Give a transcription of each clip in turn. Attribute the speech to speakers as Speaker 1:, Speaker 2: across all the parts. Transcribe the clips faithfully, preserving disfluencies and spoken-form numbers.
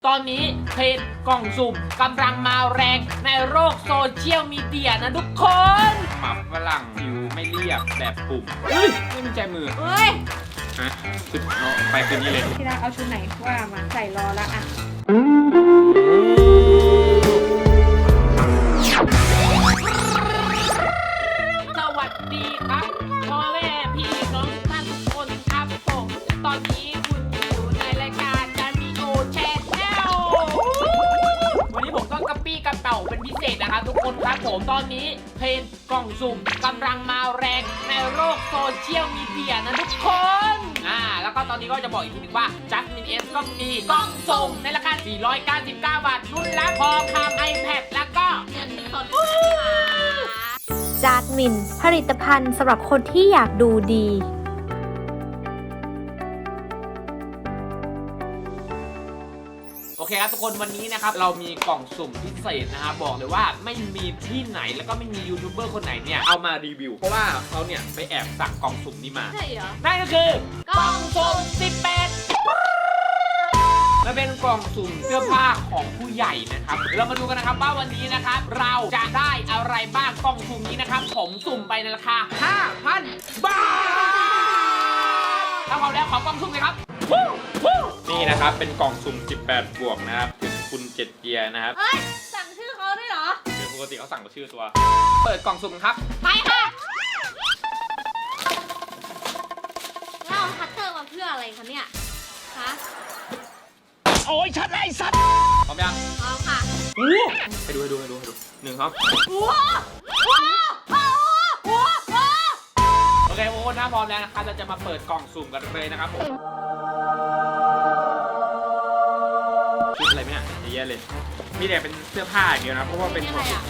Speaker 1: ตอนนี้เพจกล่องสุ่มกำลังมาแรงในโลกโซเชียลมีเดียนะทุกคนหมับฝรั่งผิวไม่เรียบแบบปุ่มเฮ้ยไม่มีใจมือ
Speaker 2: เฮ้ย
Speaker 1: ฮะชุดเนาะไปคืนนี้เลย
Speaker 2: พี่รักเอาชุดไหนว่ามาใส่รอแล้วอ่ะ
Speaker 1: สวัสดีครับพ่อแม่พี่น้องท่านทุกคนครับผมตอนนี้คุณอยู่ในรายการจามิโอแชนแนลวันนี้ผมต้องกระปี้กระเป๋าเป็นพิเศษนะครับทุกคนครับผมตอนนี้เพจกล่องสุ่มกำลังมาแรงในโลกโซเชียลมีเดียนะทุกคนอ่าแล้วก็ตอนนี้ก็จะบอกอีกทีนึงว่าจัสมินเอสก็มีกล่องสุ่มในราคาสี่ร้อยเก้าสิบเก้าบาทรุ่นละพอคาม iPad แล้วก็เงินสด
Speaker 3: จาสมินผลิตภัณฑ์สำหรับคนที่อยากดูดี
Speaker 1: โอเคครับทุกคนวันนี้นะครับเรามีกล่องสุ่มพิเศษนะครับบอกเลยว่าไม่มีที่ไหนแล้วก็ไม่มียูทูบเบอร์คนไหนเนี่ยเอามารีวิวเพราะว่าเขาเนี่ยไปแอบสั่งกล่องสุ่มนี้มา
Speaker 2: ใช่เหรอ
Speaker 1: นั่นก็คือกล่องสุ่มสิบแปดมันเป็นกล่องสุ่มเสื้อผ้าของผู้ใหญ่นะครับเรามาดูกันนะครับว่าวันนี้นะครับเราจะได้อะไรบ้างกล่องสุ่มนี้นะครับผมสุ่มไปในราคา ห้าพัน บาทถ้าพร้อมแล้วขอกล่องสุ่มเลยครับนี่นะครับเป็นกล่องสุ่มสิบแปดบวกนะครับถึงคุณเจ็ดเกียร์นะครับ
Speaker 2: เฮ้ยสั่งชื่อเขาด้วยเหรอ
Speaker 1: เป็นปกติเขาสั่งกับชื่อตัวเปิดกล่องสุ่มครับ
Speaker 2: ไปค่ะเราเอาคัตเตอร์มาเพื่ออะไรคะเนี่ยฮะ
Speaker 1: โอ้ยชัดเลยสัตว์พร้อมยัง
Speaker 2: พร้อมค่ะ
Speaker 1: อู้ให้ดูให้ดูให้ดูให้ดูหนึ่งครับ
Speaker 2: ว้าวว้าวว้าวว้าว
Speaker 1: โอเคโอ้หน้าพร้อมแล้วนะครับเราจะมาเปิดกล่องสุ่มกันเลยนะครับผมชุดอะไรเนี่ยเยอะแยะเลยนี่เนี่ยเป็นเสื้อผ้าอย่างเดียวนะเพราะว่าเป็น
Speaker 2: อะไรอ่ะ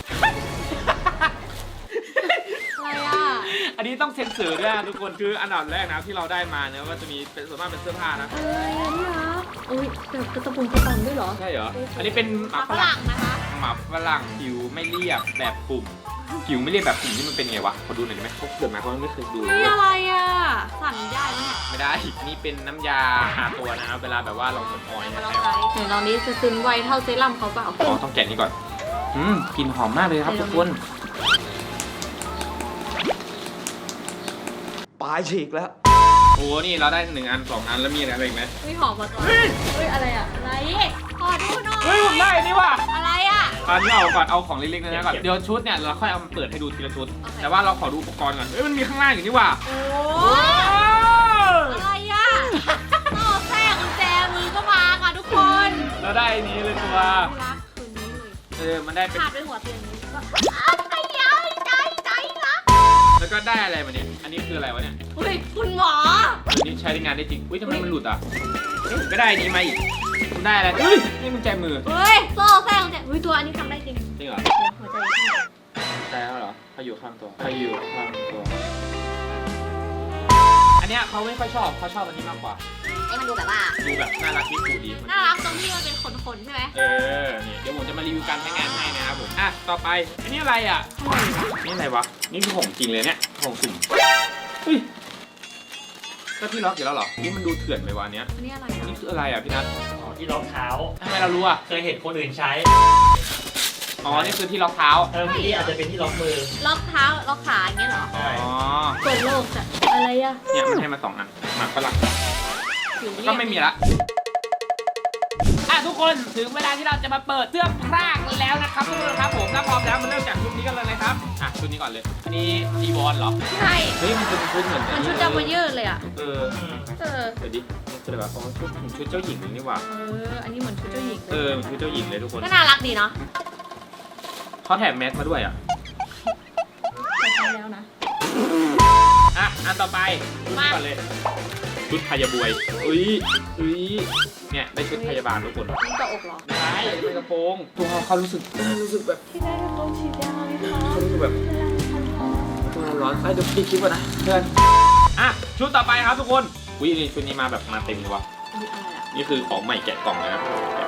Speaker 2: อะไรอ่ะ
Speaker 1: อันนี้ต้องเซ็นเซอร์ด้วยนะทุกคนคืออันดับแรกนะที่เราได้มาเนี่ยก็จะมีเป็นส่วนมากเป็นเสื้อผ้านะ
Speaker 2: อะไรอ่ะนี่นะอุ้ยแบบกระตุงกระตังด้วยเหรอ
Speaker 1: ใช่เหรออันนี้เป็นหมักฝรั่ง
Speaker 2: นะคะ
Speaker 1: หมักฝรั่งผิวไม่เรียบแบบปุ่มผิวไม่เรียบแบบปุ่มนี่มันเป็นไงวะขอดูหน่อยได้ไหมเขาเกิดมาเขาไม่เคยดูเลย
Speaker 2: นี่อะไรอ่ะสั่นได้ไหม
Speaker 1: ไม่ได้นี่เป็นน้ำยาหาตัวนะครับเวลาแบบว่าเราสมออย
Speaker 2: นะครับไหนลองนี้จะซึมไวเท่าเซรั่มเขาเปล่า
Speaker 1: อ๋อต้องแกะนี่ก่อนอืมกลิ่นหอมมากเลยครับทุกคน
Speaker 4: ปลายฉีกแล้ว
Speaker 1: โอ้นี่เราได้หนึ่งอันสองอันแล้วมีอะไรอีกไหม
Speaker 2: ไม่หอมมาก่อนเฮ้ยอะไรอ่ะอะไรขอดูหน่อย
Speaker 1: เฮ้ยผมได้นี่ว่ะ
Speaker 2: อะไรอ่ะ
Speaker 1: ตอนนี้เอาก่อนเอาของเล็กๆนะก่อนเดี๋ยวชุดเนี่ยเราค่อยเอามาเปิดให้ดูทีละชุดแต่ว่าเราขอดูอุปกรณ์ก่อนเฮ้ยมันมีข้างล่างอยู่นี่ว่ะ
Speaker 2: โอ้อะไรอ่ะต่อแทรกกุญแจมือก็มาค่ะทุกคน
Speaker 1: เราได้นี้เลยตัว
Speaker 2: รักคืนนี้เลย
Speaker 1: เออมันได้เป็น
Speaker 2: ขาดไปหัวเตียงนี้ก็อ้าวใจใจใจใจรัก
Speaker 1: แล้วก็ได้อะไรมาเนี่ยอันนี้คืออะไรวะเนี่ย
Speaker 2: เฮ้ยคุณหมอ
Speaker 1: อันนี้ใช้ในงานได้จริงอุ้ยทำไมมันหลุดอ่ะก็ได้นี้มาอีกคุณได้อะไรเฮ้ยนี่มันใจมือ
Speaker 2: เฮ้ยโซ่แทรกกุญแจเฮ้ยตัวอันนี้ทำได้จริง
Speaker 1: จริงเหรอ
Speaker 2: หัวใจข้างใน
Speaker 1: ใจแล้วเหรอเขาอยู่ข้างตัวเขาอยู่ข้างตัวอันเนี้ยเขาไม่ค่อยชอบเขาชอบอันนี้มากกว่า
Speaker 2: ไอ้มันดูแบบว่า
Speaker 1: ดูแบบน่ารักที่สุดดี
Speaker 2: น่ารักตรงที่มันเป็นขนๆใช่ไหม
Speaker 1: เออนี่เดี๋ยวผมจะมารีวิวการใช้งานให้นะครับผมอ่ะต่อไปอันนี้อะไรอ่ะนี่อะไรวะนี่คือของจริงเลยเนี่ยของสุ่มเฮ้ยก็ที่ล็อกอยู่แล้วเหรอนี่มันดูเถื่อนไปวะเนี้ย
Speaker 2: อันนี้อะไรอ่ะ
Speaker 1: นี่คืออะไรอ่ะพี่นัท
Speaker 4: อ๋อที่ล็อกเท้า
Speaker 1: ทำไมเรารู้อ่ะ
Speaker 4: เคยเห็นคนอื่นใช้
Speaker 1: อ๋อนี่คือที่ล็อกเท้า
Speaker 4: เออนี่อาจจะเป็นที่ล็อกมือ
Speaker 2: ล็อกเท้าล็อกขาอย่างเงี้ยเหรอ
Speaker 1: อ๋อ
Speaker 2: เปิดโลกจ้ะอะไรอ่ะ
Speaker 1: เนี่ยมันให้มาสองอันหมักฝรั่งก็ไม่มีละอ่ะทุกคนถึงเวลาที่เราจะมาเปิดเสื้อผ้ากันแล้วนะครับทุกคนครับผมถ้าพร้อมแล้วมาเริ่มจากชุดนี้กันเลยนะครับอ่ะชุดนี้ก่อนเลยอันนี้จีวอนเหรอ
Speaker 2: ใช่
Speaker 1: เฮ้ยมันเป็นชุดเหมือน
Speaker 2: มันชุดเจ้าพยืดเลยอ่ะ
Speaker 1: เออ
Speaker 2: เออ
Speaker 1: เดี๋ยวดิชุดอะไรวะอ๋อชุดชุดเจ้าหญิงนี่ว่ะ
Speaker 2: เอออันนี้เหมือนชุดเจ้าหญิง
Speaker 1: เออชุดเจ้าหญิงเลยทุกคน
Speaker 2: ก็น่ารักดีเนาะ
Speaker 1: เขาแถมแมสมาด้วยอ่ะ
Speaker 2: ใช้แล้วนะ
Speaker 1: อ่ะอันต่อไปมาก่อนเลยชุดพยาบวยอุ้ยอุ้ยเนี่ยได้ชุดพยาบาลทุกคน
Speaker 2: นี่กระอกหรอ
Speaker 1: ใช่เป็นกระโปรงตัวเขารู้สึกรู้สึกแบบ
Speaker 2: ที่ได้กระโปรงฉีดยาเลยค่ะ
Speaker 1: เขารู้สึกแบบตัวร้อนไอ้เดี๋ยวพี่คิดว่านะเพื่อนอ่ะชุดต่อไปครับทุกคนอุ้ยนี่ชุดนี้มาแบบมาเต็มเลยวะนี่คือของใหม่แกะกล่องเลยนะ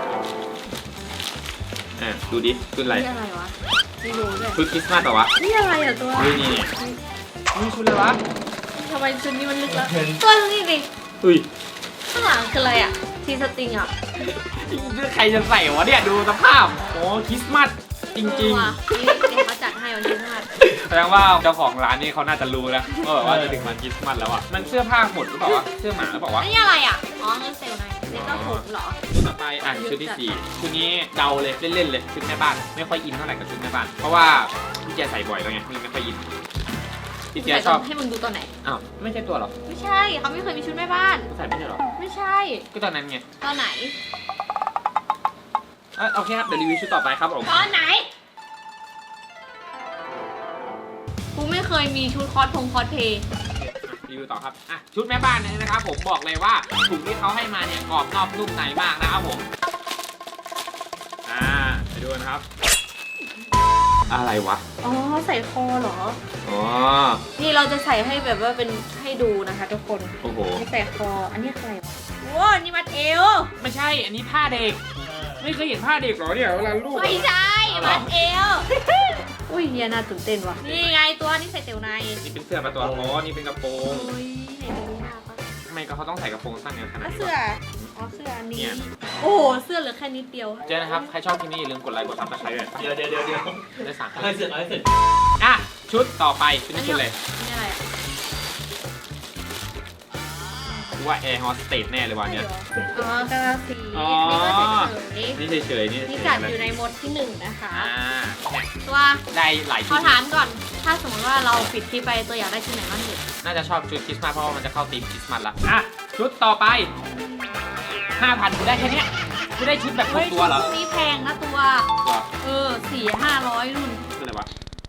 Speaker 1: อ่ะดูดิชุดอะไร
Speaker 2: นี่อะไรวะไม่รู้เลย
Speaker 1: ชุดคริสต์มาสเหรอวะ
Speaker 2: นี่อะไรอ่ะตัว
Speaker 1: นี่นี่นี่ชุดอะไรวะ
Speaker 2: ทำไมชุดนี้มันลึกแล้วตัวนี้ดิ
Speaker 1: อุ้ย
Speaker 2: ข้างหลังคืออะไรอ่ะทีสตริงอ่ะ
Speaker 5: ใครจะใส่วะเนี่ยดูสภาพโอ้คริสต์มาสจริง
Speaker 2: เออว่ะนี่เดี๋ยวเขาจัดให้วันที่ห้า
Speaker 5: ๆแสดงว่าเจ้าของร้านนี่เขาน่าจะรู้แล้วว่าแบบว่าจะถึงวันคริสต์มาสแล้วอ่ะมันเสื้อผ้าหมดหรือเปล่าวะเสื้อหมาหรือเปล่าวะ
Speaker 2: อันนี้อะไรอ่ะอ๋อเงินเซลล์ไงนี่ก็ผมเหรอ
Speaker 5: ชุดต่อไปอ่ะชุดที่สี่ชุดนี้เดาเลยเล่นๆเลยชุดแม่บ้านไม่ค่อยอินเท่าไหร่กับชุดแม่บ้านเพราะว่าพี่เจใส่บ่อยแล้วไงนี่ไม่ค่อยอินพี่เจชอบ
Speaker 2: ให้มึงดูตัวไหน
Speaker 5: อ้าวไม่ใช่ตัวหรอ
Speaker 2: ไม่ใช่เขาไม่เคยมีชุดแม่บ้าน
Speaker 5: ใส่ไม่ใช่หรอ
Speaker 2: ไม่ใช่
Speaker 5: ก็ตอนนั้นไง
Speaker 2: ตอนไหน
Speaker 5: เอ้ยโอเคครับเดี๋ยวรีวิวชุดต่อไปครับผม
Speaker 2: ตอนไหนกูไม่เคยมีชุดคอสพงคอสเพย์
Speaker 5: รีวิวต่อครับอ่ะชุดแม่บ้านเนี่ยนะครับผมบอกเลยว่าถุงที่เขาให้มาเนี่ยกรอบนอกนุ่มในมากนะครับผมอ่าไปดูนะครับอะไรวะ
Speaker 2: อ๋อใส่คอเหรอ
Speaker 5: อ๋อ
Speaker 2: นี่เราจะใส่ให้แบบว่าเป็นให้ดูนะคะทุกคน
Speaker 5: โอ้โห
Speaker 2: นี่ใส่คอ อันนี้อะไรวะโว้นี่มัดเอว
Speaker 5: ไม่ใช่อันนี้ผ้าเด็กไม่เคยเห็นผ้าเด็กเหรอเนี่ยเวลาลูก
Speaker 2: ไม่ใช่
Speaker 5: เอาเหรอ
Speaker 2: มัดเอว อุ้ยเฮียน่าตื่นเต้นว่ะ นี่ไงตัวนี้ใส่เตียวใน
Speaker 5: นี่เป็นเสื้อประตัวอ๋อนี่เป็นกระโปรง
Speaker 2: โอ้ยไหนดูหน้าปะ
Speaker 5: ทำไมก็เขาต้องใส่กระโปรงสั้นกันขนาด
Speaker 2: อ่ะ
Speaker 5: นี้
Speaker 2: เสื้อ
Speaker 5: วะ
Speaker 2: อ๋อเสื้ออันนี้
Speaker 5: เนี่ย
Speaker 2: โอ้โหเสื้อเหลือแค่นิดเดียว
Speaker 5: เจอนะครับใครชอบคลิปนี้อย่าลืมกดไลค์กดซับสไครต์ด้วย
Speaker 4: เดี๋ยวเดี๋ยวเดี๋ยวเดี๋ยว
Speaker 5: ได้สั่ง
Speaker 4: เอาให้เสร็จเอาให้เสร็จ
Speaker 5: อ่ะชุดต่อไปชุดนี้ชุดเลย
Speaker 2: อันนี้อะไรอ่ะ
Speaker 5: กูว่าแอร์โฮสเตสแน่เลยวันเนี้ย
Speaker 2: อ๋อกระสี
Speaker 5: อ๋อ
Speaker 2: นี่ก็เฉย
Speaker 5: นี่เฉยๆนี่
Speaker 2: ๆนี่
Speaker 5: เฉ
Speaker 2: จั
Speaker 5: ย
Speaker 2: ด
Speaker 5: ๆเล
Speaker 2: อยู่
Speaker 5: ย
Speaker 2: ในหมดที่หนึ่งนะคะ
Speaker 5: อ่าเนี่ย
Speaker 2: ตัว
Speaker 5: ได้หลาย
Speaker 2: ข
Speaker 5: ชุ
Speaker 2: อ
Speaker 5: ด
Speaker 2: ถามก่อน ถ้าสมมติว่าเราปิดคลิปไปตัวอยากได้ชุดไหนบ้างเด็ก
Speaker 5: น่าจะชอบชุดคริสต์มาสเพราะว่ามันจะเข้าธีมคริสต์มาสละอ่ะชุดต่อไปห้าพันกูได้แค่เนี้ยกูได้ชุดแบบครบ
Speaker 2: เฮ้ย
Speaker 5: ตัวเหรอ
Speaker 2: ชุดนี้แพงนะตัว
Speaker 5: เหรอ
Speaker 2: เออสี่ห้าร้อยรุ่น
Speaker 5: คืออะไรวะ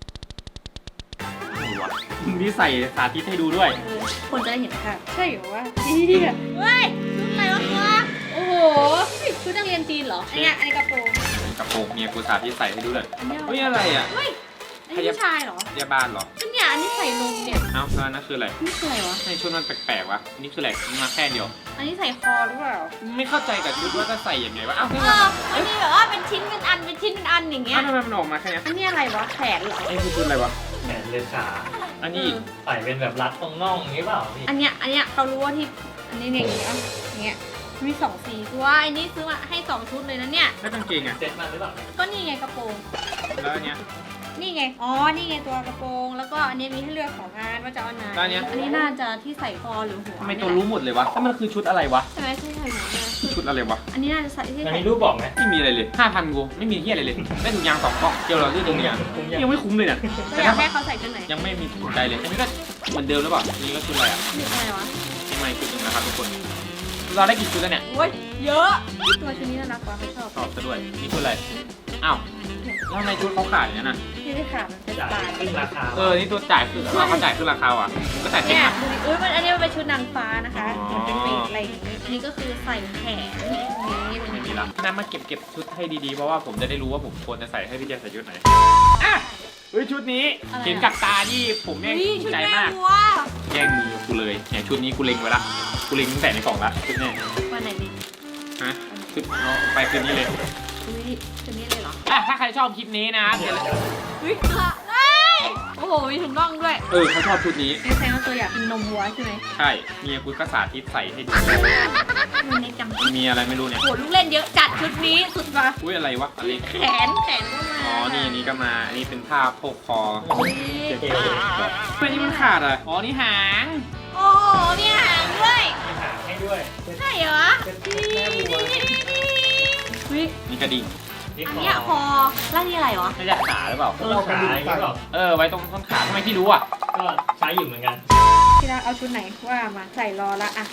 Speaker 5: ไม่รู้วะนี่ใส่สาธิตให้ดูด้วย
Speaker 2: เออคนจะได้เห็นค่ะ ใช่เหรอวะเฮ้ยชุดอะไรวะตัวโอ้โหชุดนักเรียนจีนเหรอ อันเนี้ยอันนี้กระโปรง
Speaker 5: กระโปรงเมียกูสาธิตใส่ให้ดูเลย
Speaker 2: อันเนี้ย
Speaker 5: เฮ้ยอะไรอ่ะ
Speaker 2: เฮ้ยอันนี้ผู้ชายเหรอ
Speaker 5: ยาบ้านเหรอ
Speaker 2: อันเนี้ยอันนี้ใส่นมเนี่ย
Speaker 5: เอ้าแล้วนั่นคืออะไร
Speaker 2: นี่คืออะไรวะ
Speaker 5: ในชุดมันแปลกๆวะนี่คืออะไรมันมาแค่เดียว
Speaker 2: อันนี้ใส่คอหรือเปล่า
Speaker 5: ไม่เข้าใจกับชุดว่าจะใส่ยังไงวะเอ้า
Speaker 2: เอ
Speaker 5: ทำไม
Speaker 2: ออันนี้แบบว่าเป็นชิ้นเป็นอันเป็นชิ้นเป็นอันอย่างเงี้ย
Speaker 5: เอ้าทำไมมันออกมาแค่เนี้ย
Speaker 2: อันนี้อะไรวะแขนเหรอ
Speaker 5: ไอ้คือชุดอะไรวะ
Speaker 4: แขนเลยขา
Speaker 5: อันนี้
Speaker 4: ใส่เป็นแบบรัดตรงน่องอย่างนี้เปล่าพี่
Speaker 2: อันเนี้ยอันเนี้ยเขารู้ว่าที่อันนี้เนี่ยอย่างเงี้ยอย่างเงี้ยมีสองสีตัวอันนี้ซื้อมาให้สองชุดเลยนะเนี่ย
Speaker 5: แล้วกางเกงอ่ะ
Speaker 4: เซ็ตมาหรือเปล่า
Speaker 2: ก็นี่ไงกระโปรง
Speaker 5: แล้วอันเนี้ย
Speaker 2: นี่ไงอ๋อนี่ไงตัวกระโปรงแล้วก็อันนี้มีให้เลือกสองอันว่าจะเอาไหน
Speaker 5: แล้วอันเนี้ย
Speaker 2: อันนี้น่าจะที่ใส่คอหรือหัว
Speaker 5: ทำไมตัวรู้หมดเลยวะแล้วมันคือชุดอะไรวะ
Speaker 2: ใช่ไหมใช่ใช่หัวเนี่ย
Speaker 5: ชุดอะไรวะ
Speaker 2: อันนี้น่าจะใส่ที่
Speaker 4: มัน
Speaker 2: ใส่
Speaker 4: มีรูปบอกไหม
Speaker 5: ไม่มีอะไรเลยห้าพันกูไม่มีที่อะไรเลยได้ถุงยางสองกล่องเจลเราเลือดตรงเนี้ย
Speaker 4: คุ้มยัง
Speaker 5: ยังไม่คุ้มเลยเนี่ย
Speaker 2: เรา
Speaker 5: แต่
Speaker 2: อยา
Speaker 5: ถ้าก
Speaker 2: ให้เขาใส่ชุดไหน
Speaker 5: ยังไม่มีถูกใจเลยอันนี้ก็เหมือนเดิมหรือเปล่าอันนี้ก็ชุดอะไรอ่ะ
Speaker 2: นี่อะไรวะ
Speaker 5: นี่ไม่ชุดหนึงนะครับทุกคนเราได้กี่ชุดแล้วเนี่ย
Speaker 2: โอ้ยเยอะตัวชุดนี้น่ารักกว่าเขาชอบ
Speaker 5: ชอบซะด้วยนี่ชุดอะไรอ้าวแล้วทำไมชุดเขาขาดอย่างนั้นน่ะ
Speaker 2: ที่ได้ขาดมันเป็น
Speaker 4: จ่าย
Speaker 2: ปลาย
Speaker 4: ขึ้นราคา
Speaker 5: เออนี่ตัวจ่ายคือเราเขาจ่ายคือราคาอ่ะก็จ่ายเต็ม
Speaker 2: เนี่ย
Speaker 5: นะ
Speaker 2: ดูดิอุ้ยมันอันนี้มันเป็นชุดนางฟ้านะคะ
Speaker 5: อ๋อ
Speaker 2: มันเป็นปีกอะไรอย่างนี้อันนี้ก็คือใส่แขนอย่างนี้
Speaker 5: อย่างนี้ละพี่นัทมาเก็บเก็บชุดให้ดีๆเพราะว่าผมจะได้รู้ว่าผมควรจะใส่ให้พี่เจใส่ชุดไหนอ่ะเฮ้ยชุดนี้เห็นกับตาที่ผมแม่ง
Speaker 2: นี่
Speaker 5: ถู
Speaker 2: ชุ
Speaker 5: ก
Speaker 2: ด
Speaker 5: ใจ
Speaker 2: แม่
Speaker 5: มาก
Speaker 2: วัว
Speaker 5: แย่งมือกูเลยเนี่ยชุดนี้กูเล็งไว้ละกูเล็งตั้งแต่ในกล่องละชุดนี้
Speaker 2: วันไหนดี
Speaker 5: ฮะชุดเอาไปคืนนี้เลย
Speaker 2: อุ้ยชุดนี้เลยเหรอ
Speaker 5: อ่ะถ้าใครชอบคลิปนี้นะครับเดี๋ยว
Speaker 2: อุ้ยตัวเอ้ยโอ้โหมีถุงน่องด้วย
Speaker 5: เออเขาชอบชุดนี้
Speaker 2: นี่แสดงว่าตัวอยากกินนมวัวใช่ไหม
Speaker 5: ใช่เมียกูก็สาธิตใส่ให้ดู
Speaker 2: มันในจำ
Speaker 5: มีอะไรไม่รู้เนี่ย
Speaker 2: โหลูกเล่นเยอะจัดชุดนี้สุดว่ะ
Speaker 5: อุ้ยอะไรวะอะไร
Speaker 2: แขนแขนก็มา
Speaker 5: อ๋อนี่อันนี้ก็มาอันนี้เป็นผ้าโพกคอ
Speaker 2: อุ๊ย
Speaker 4: เท่เลย
Speaker 5: เฮ้ยนี่มันขาดอ่ะอ๋อนี่หาง
Speaker 2: โอ้โหมีหางด้วย
Speaker 4: มีหางให้ด้วย
Speaker 2: ใช่เหรอ
Speaker 4: เป็นแม่วัว
Speaker 2: อุ้ย
Speaker 5: นี่กระดิ่ง
Speaker 4: นี่
Speaker 2: อัน
Speaker 4: คอ
Speaker 2: เนี้ยคอแล้วนี่อะไรวะ
Speaker 5: น่าจะขาหรือเปล่า
Speaker 4: เราขาอย่างนี้เปล่า
Speaker 5: เออไว้ตรงต้นขาทำไมพี่รู้อ่ะ
Speaker 4: ก็ใช้อยู่เหมือนกัน
Speaker 2: พี่รักเอาชุดไหนว่ามาใส่รอละอะ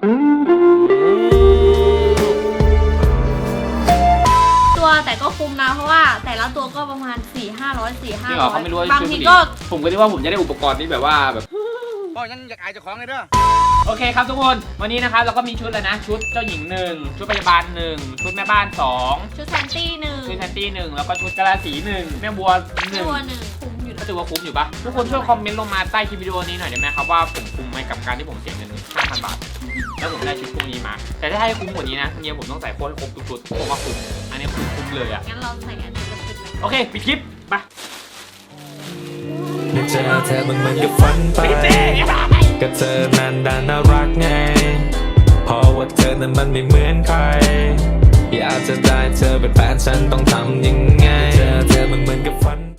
Speaker 2: ตัวแต่ก็คุ้มนะเพราะว่าแต่ละตัวก็ประมาณสี่ห้าร้อยสี่ห้า
Speaker 5: พี่เหร
Speaker 2: ร้
Speaker 5: อ
Speaker 2: อย
Speaker 5: เขาไม่รู้ว่า
Speaker 2: บาง
Speaker 5: ชุด
Speaker 2: ที
Speaker 5: ผู้หญิ
Speaker 2: ก็
Speaker 5: ผมก็คิดว่าผมจะได้อุปกรณ์ที่แบบว่าแบบ
Speaker 6: ก็ยังอยากอายเจ้าของเลยเด้อ
Speaker 5: โอเคครับทุกคนวันนี้นะครับเราก็มีชุดแล้วนะ ชุดเจ้าหญิงหนึ่งชุดพยาบาลหนึ่งชุดแม่บ้านสอง
Speaker 2: ชุดแซนตี้หนึ่ง
Speaker 5: ชุดแซนตี้หนึ่งแล้วก็ชุดกะลาสีหนึ่งแม่บัวหนึ่ง
Speaker 2: ตัวหนึ่งคุ้มอยู่
Speaker 5: ก็
Speaker 2: นะ
Speaker 5: ถือว่าคุ้มอยู่ปะทุกคนช่วยคอมเมนต์ลงมาใต้คลิปวิดีโอนี้หน่อยได้ไหมครับว่าผมคุ้มไหมกับการที่ผมเสียเงินห้าพันบาทแล้วผมได้ชุดพวกนี้มา แต่ถ้าให้คุ้มกว่านี้นะเนี่ยผมต้องใส่โค้ดให้ครบทุกชุดผมว่าคุ้มอันนี้คุ้มคุ้มเลยอะ
Speaker 2: งั้นเราใส่อันนี้กับชุดไหน
Speaker 5: โอเคปิดคลิปไป
Speaker 7: ได้เจอเธอมันเหมือนกับฝันไป
Speaker 5: ปิดเจ๊
Speaker 7: ก็เธอนั้นดันน่ารักไงเพราะว่าเธอนั้นมันไม่เหมือนใครอยากจะได้เธอเป็นแฟนฉันต้องทำยังไง